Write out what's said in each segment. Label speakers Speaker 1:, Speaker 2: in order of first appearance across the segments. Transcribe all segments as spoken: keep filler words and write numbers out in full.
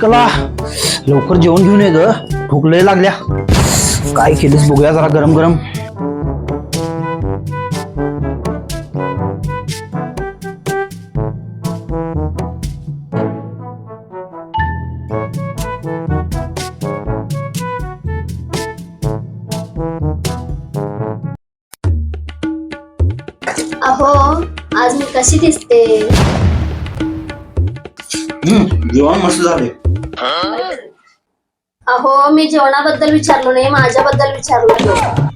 Speaker 1: कला लवकर जेवण घेऊन ये ग, भूक लय लागल्या. काय केलीस बघूया जरा गरम गरम.
Speaker 2: अहो आज मी कशी दिसते?
Speaker 1: जेवण मस्त झाले.
Speaker 2: अहो मी जेवणाबद्दल विचारलो नाही, माझ्याबद्दल विचारलो.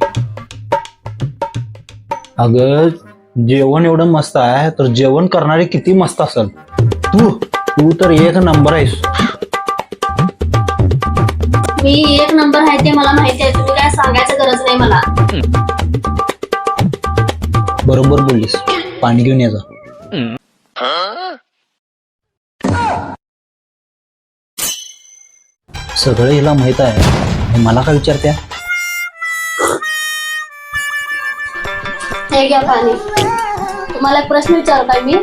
Speaker 1: अगं जेवण एवढं मस्त आहे तर जेवण करणारे किती मस्त असेल. तू तू तर एक नंबर आहेस.
Speaker 2: मी एक नंबर आहे ते मला माहिती आहे, तुम्ही काय सांगायचं गरज नाही मला.
Speaker 1: बरोबर बोललीस. पाणी घेऊन ये जा. सगळं हिला माहित आहे, हे मला काय विचारत्या?
Speaker 2: हे घ्या पाणी. तुम्हाला एक प्रश्न विचारू काय मी?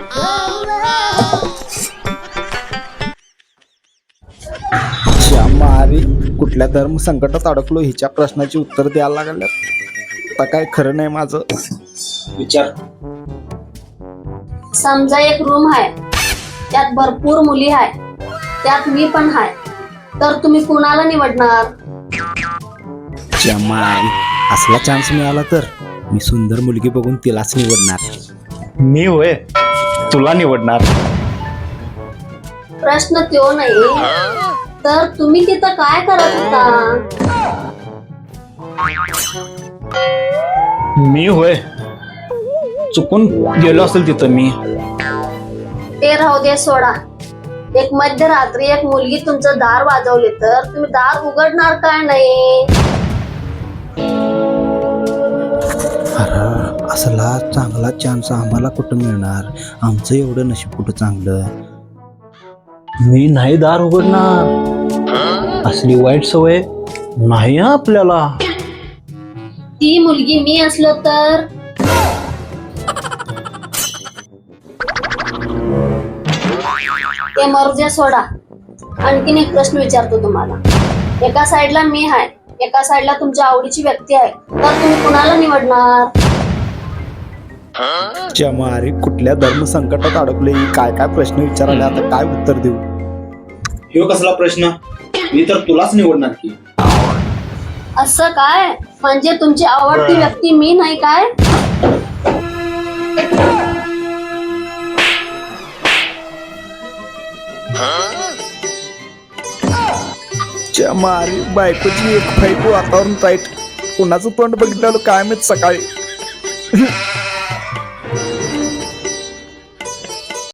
Speaker 3: मारी कुठल्या धर्म संकटात अडकलो हिच्या प्रश्नाची उत्तर द्यायला लागल्या. आता काय खरं नाही माझं.
Speaker 1: विचार.
Speaker 2: समजा एक रूम आहे, त्यात भरपूर मुली आहे, त्यात मी पण आहे, तर तुम्ही कुणाला निवडणार?
Speaker 3: जमाई असला चान्स मिळाला तर मी सुंदर मुलगी बघून तिलाच निवडणार.
Speaker 1: मी होय तुला निवडणार.
Speaker 2: प्रश्न तो नाही, तर तुम्ही तिथं काय करत होता?
Speaker 1: मी होय चुकून गेलो असेल तिथं मी.
Speaker 2: ते राहू दे, सोडा. एक मध्यरात्री एक मुलगी तुमचं दार वाजवले तर तुम्ही दार उघडणार काय नाही?
Speaker 3: अरे असला चांगला चान्स आम्हाला कुठं मिळणार? आमचं एवढं नशीब कुठं चांगलं.
Speaker 1: मी नाही दार उघडणार. असली वाईट सवय नाही हं आपल्याला.
Speaker 2: ती मुलगी मी असलो तर? ते मरुद्या, सोडा. आणखीन एक प्रश्न विचारतो तुम्हाला. एका साइडला मी आहे, एका साइडला तुमच्या आवडीची व्यक्ती आहे, तर तुम्ही कुणाला निवडणार?
Speaker 3: जमारी कुठल्या धर्म संकटात अडकले ही काय काय प्रश्न विचारायला, आता काय उत्तर देऊ?
Speaker 1: ह्यो कसला प्रश्न? मी तर तुलाच निवडणार की.
Speaker 2: असं काय? म्हणजे तुमची आवडती व्यक्ती मी नाही काय?
Speaker 3: जमारी बायकोची एक फाईट वातावरण टाईट. कुणाचं तोंड बघितलं काय माहित सकाळी.